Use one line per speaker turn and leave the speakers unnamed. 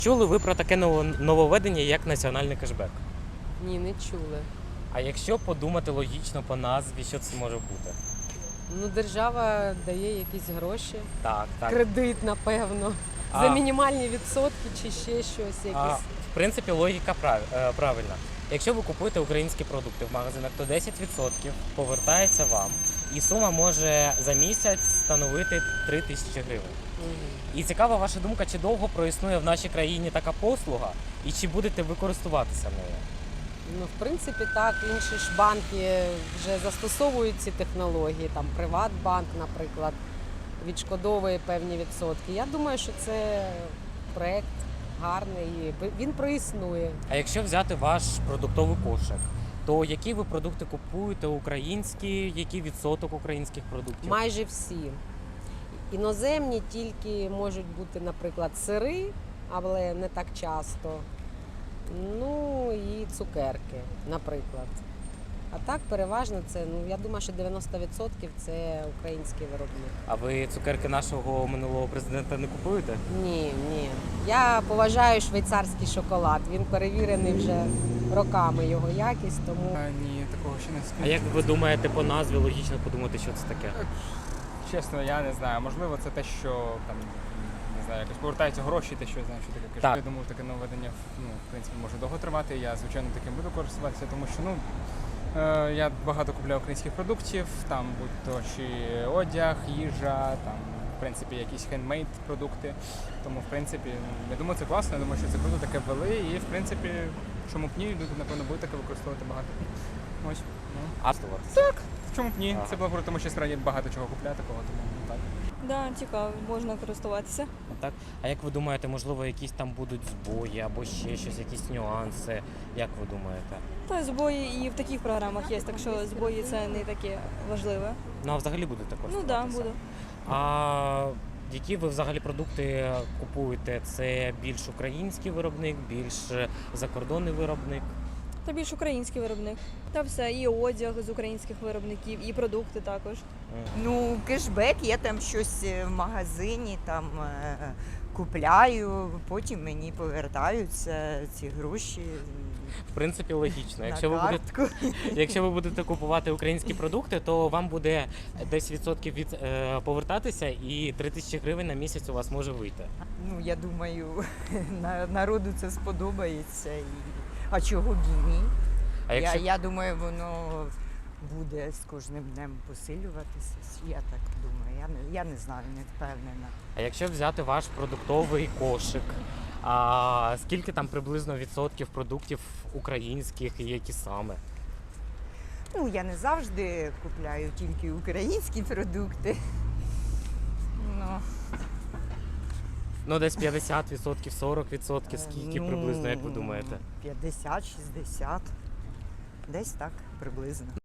Чули ви про таке нововведення, як національний кешбек?
Ні, не чули.
А якщо подумати логічно по назві, що це може бути?
Ну, держава дає якісь гроші,
Так.
кредит, напевно,
А.
за мінімальні відсотки чи ще щось якесь.
В принципі, логіка правильна. Якщо ви купуєте українські продукти в магазинах, то 10% повертається вам, і сума може за місяць становити 3 тисячі гривень. І цікава ваша думка, чи довго проіснує в нашій країні така послуга, і чи будете ви користуватися нею?
Ну, в принципі, так, інші ж банки вже застосовують ці технології, там Приватбанк, наприклад, відшкодовує певні відсотки. Я думаю, що це проект гарний, і він проіснує.
А якщо взяти ваш продуктовий кошик, то які ви продукти купуєте українські, який відсоток українських продуктів?
Майже всі. Іноземні тільки можуть бути, наприклад, сири, але не так часто. Ну і цукерки, наприклад. А так переважно це, я думаю, що 90% це український виробник.
А ви цукерки нашого минулого президента не купуєте?
Ні. Я поважаю швейцарський шоколад. Він перевірений вже роками, його якість, тому...
Ні, такого ще не
А
скажу.
як ви думаєте по назві, логічно подумати, що це таке?
Чесно, я не знаю. Можливо, це те, що там не знаю, якось повертаються гроші, те, що я знаю, що таке кешбек.
Так.
Я думаю, таке нововведення в принципі може довго тривати. Я звичайно таким буду користуватися, тому що я багато купляю українських продуктів, там будь-то чи одяг, їжа, там в принципі якісь хендмейд продукти. Тому в принципі, я думаю, це класно. Я думаю, що це круто таке ввели, і в принципі, чому б ні, люди напевно будуть таке використовувати багато. Ось.
А
Так, чому б ні?
Ага.
Це було круто, тому що справді багато чого купляти кого, тому так.
Да, цікаво, можна користуватися.
Так. А як ви думаєте, можливо, якісь там будуть збої або ще щось, якісь нюанси? Як ви думаєте?
Та збої і в таких програмах є, так що збої це не таке важливе.
Ну а взагалі будете
Ну
користуватися?
так, да, буду.
А які ви взагалі продукти купуєте? Це більш український виробник, більш закордонний виробник?
Та більш український виробник. Та все, і одяг з українських виробників, і продукти також.
Ну, кешбек, я там щось в магазині там купляю, потім мені повертаються ці гроші
В принципі, логічно.
на
Якщо
картку.
ви будете купувати українські продукти, то вам буде 10% повертатися, і 3 тисячі гривень на місяць у вас може вийти.
Ну, я думаю, народу це сподобається. А чого б і ні?
А якщо,
Я думаю, воно буде з кожним днем посилюватися. Я так думаю. Я не знаю, не впевнена.
а якщо взяти ваш продуктовий кошик, скільки там приблизно відсотків продуктів українських і які саме?
Ну, я не завжди купляю тільки українські продукти. Ну,
Ну, десь 50%, 40%, скільки приблизно, як ви думаєте?
50-60. Десь так приблизно.